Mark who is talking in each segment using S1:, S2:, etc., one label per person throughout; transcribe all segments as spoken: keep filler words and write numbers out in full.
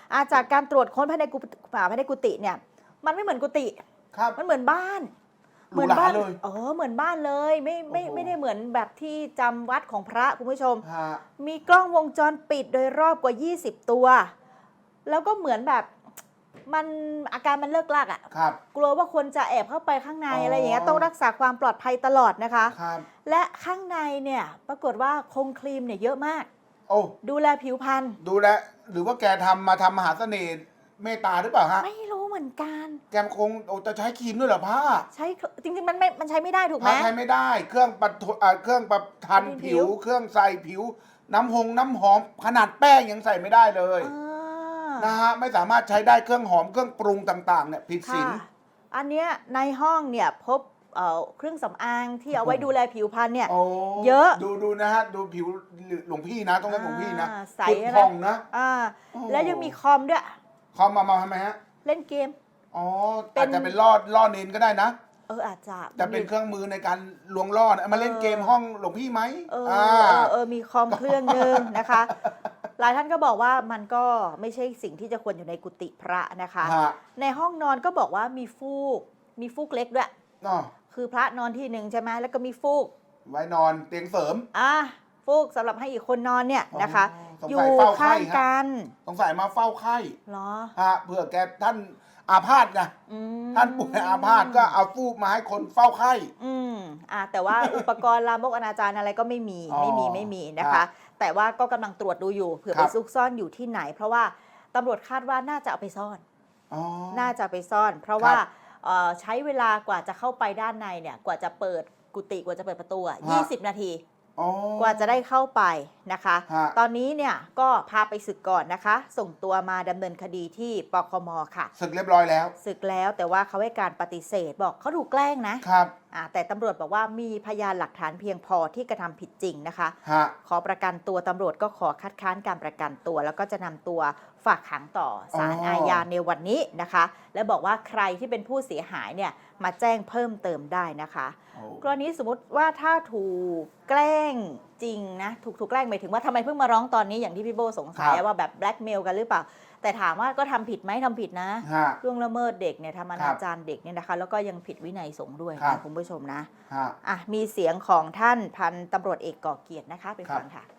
S1: อาจากการตรวจค้นภายในกุฏิภายในกุฏิเนี่ยมันไม่เหมือนกุฏิมันเหมือนบ้าน
S2: เหมือนบ้านเลย
S1: เออเหมือนบ้านเลยไม่ไม่ไม่ได้เหมือนแบบที่จำวัดของพระคุณผู้ชมมีกล้องวงจรปิดโดยรอบกว่ายี่สิบตัวแล้วก็เหมือนแบบมันอาการมันเลิกลากอ่ะกลัวว่าคนจะแอบเข้าไปข้างในอะไรอย่างเงี้ยต้องรักษาความปลอดภัยตลอดนะคะและข้างในเนี่ยปรากฏว่าคงครีมเนี่ยเยอะมาก
S2: โอ้
S1: ดูแลผิวพรรณ
S2: ดูแลหรือว่าแกทำมาทำมหาเสน่ห์เมตตาหรือเปล่าฮะ
S1: ไม่รู้เหมือนกัน
S2: แกคงโอ้จะใช้ครีมด้วยเหรอพ่อ
S1: ใช้จริงๆมันไม่มันใช้ไม่ได้ถูกไหม
S2: ใช้ไม่ได้เครื่องปัดเครื่องประทันผิวเครื่องใส่ผิวน้ำหงน้ำหอมขนาดแป้งยังใส่ไม่ได้เลยนะฮะไม่สามารถใช้ได้เครื่องหอมเครื่องปรุงต่างๆเนี่ยผิดศีล
S1: อันเนี้ยในห้องเนี่ยพบเครื่องสำอางที่เอาไว้ดูแลผิวพรรณเนี่ยเยอะ
S2: ดูดูนะฮะดูผิวหลวงพี่นะต้องเรียกหลวงพี่นะ
S1: ใส
S2: พองนะ
S1: แล้วยังมีคอมด้วย
S2: คอมมามาทำไมฮะ
S1: เล่นเกม
S2: อ๋ออาจจะเป็นล่อล่อเน้นก็ได้นะ
S1: เอออาจจะ
S2: จะเป็นเครื่องมือในการลวงล่อมาเล่นเกมห้องหลวงพี่ไหม
S1: เออเออมีคอมเครื่องนึงนะคะหลายท่านก็บอกว่ามันก็ไม่ใช่สิ่งที่จะควรอยู่ในกุฏิพระนะคะในห้องนอนก็บอกว่ามีฟูกมีฟูกเล็กด้วยคือพระนอนที่หนึ่งใช่ไหมแล้วก็มีฟูก
S2: ไว้นอนเตียงเสริม
S1: อ่ะฟูกสำหรับให้อีกคนนอนเนี่ยนะคะอยู่ข้างกัน
S2: สงสัยมาเฝ้าไข้
S1: เหรอ
S2: ฮะเผื่อแกท่านอาพาธไงท่านป่วยอาพาธก็เอาฟูกมาให้คนเฝ้าไข้
S1: อืมอ่าแต่ว่าอุปกรณ์ลามกอนาจารอะไรก็ไม่มีไม่มีไม่มีนะคะแต่ว่าก็กำลังตรวจดูอยู่เผื่อไปซุกซ่อนอยู่ที่ไหนเพราะว่าตำรวจคาดว่าน่าจะเอาไปซ่อนน่าจะไปซ่อน เพราะว่าใช้เวลากว่าจะเข้าไปด้านในเนี่ยกว่าจะเปิดกุฏิกว่าจะเปิดประตูยี่สิบนาทีกว่าจะได้เข้าไปนะคะตอนนี้เนี่ยก็พาไปศึกก่อนนะคะส่งตัวมาดำเนินคดีที่ปคมค่ะ
S2: ศึกเรียบร้อยแล้ว
S1: ศึกแล้วแต่ว่าเขาให้การปฏิเสธบอกเขาถูกแกล้งนะครับแต่ตำรวจบอกว่ามีพยานหลักฐานเพียงพอที่กระทำผิดจริงนะคะขอประกันตัวตำรวจก็ขอคัดค้านการประกันตัวแล้วก็จะนำตัวฝากขังต่อศาลอาญาในวันนี้นะคะและบอกว่าใครที่เป็นผู้เสียหายเนี่ยมาแจ้งเพิ่มเติมได้นะคะกรณีสมมติว่าถ้าถูกแกล้งจริงนะถูกถูกแกล้งหมายถึงว่าทำไมเพิ่งมาร้องตอนนี้อย่างที่พี่โบสงสัยว่าแบบแบล็กเมลกันหรือเปล่าแต่ถามว่าก็ทำผิดไหมทำผิดนะล่วงละเมิดเด็กเนี่ยทำอนาจารเด็กเนี่ยนะคะแล้วก็ยังผิดวินัยสงฆ์ด้วยนะคุณผู้ชมนะอ่ะมีเสียงของท่านพันตำรวจเอกก่อเกียรตินะคะไปฟังค่ะ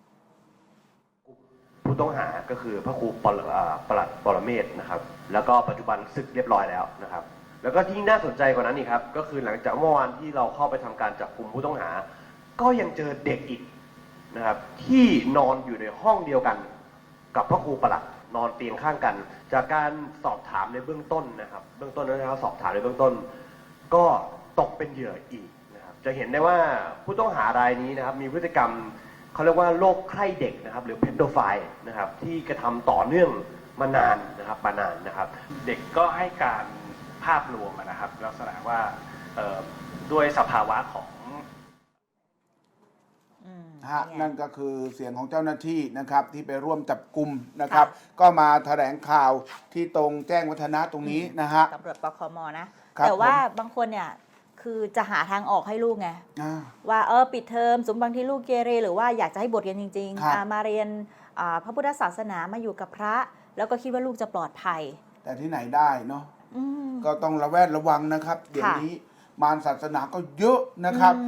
S3: ผู้ต้องหาก็คือพระครูปลัดปรเมศนะครับแล้วก็ปัจจุบันศึกเรียบร้อยแล้วนะครับแล้วก็ที่น่าสนใจกว่านั้นนี่ครับก็คือหลังจากเมื่อวานที่เราเข้าไปทำการจับกุมผู้ต้องหาก็ยังเจอเด็กอีกนะครับที่นอนอยู่ในห้องเดียวกันกับพระครูปลัดนอนเตียงข้างกันจากการสอบถามในเบื้องต้นนะครับเบื้องต้นนะครับสอบถามในเบื้องต้นก็ตกเป็นเหยื่ออีกนะครับจะเห็นได้ว่าผู้ต้องหารายนี้นะครับมีพฤติกรรมเขาเรียกว่าโรคใคร่เด็กนะครับหรือเพดโดไฟล์นะครับที่กระทำต่อเนื่องมานานนะครับมานานนะครับ
S4: เด็กก็ให้การภาพรวมนะครับลักษณะว่าด้วยสภาวะของ
S2: นั่นก็คือเสียงของเจ้าหน้าที่นะครับที่ไปร่วมจับกุมนะครับก็มาแถลงข่าวที่ตรงแจ้งวัฒนะตรงนี้นะฮะ
S1: ตำรวจปคมนะแต่ว่าบางคนเนี่ยคือจะหาทางออกให้ลูกไงว่าเออปิดเทอมสมบางที่ลูกเกเรหรือว่าอยากจะให้บทเรียนจริงๆมาเรียนพระพุทธศาสนามาอยู่กับพระแล้วก็คิดว่าลูกจะปลอดภัย
S2: แต่ที่ไหนได้เนาะก็ต้องระแวดระวังนะครับเดี๋ยวนี้มารศาสนาก็เยอะนะครับ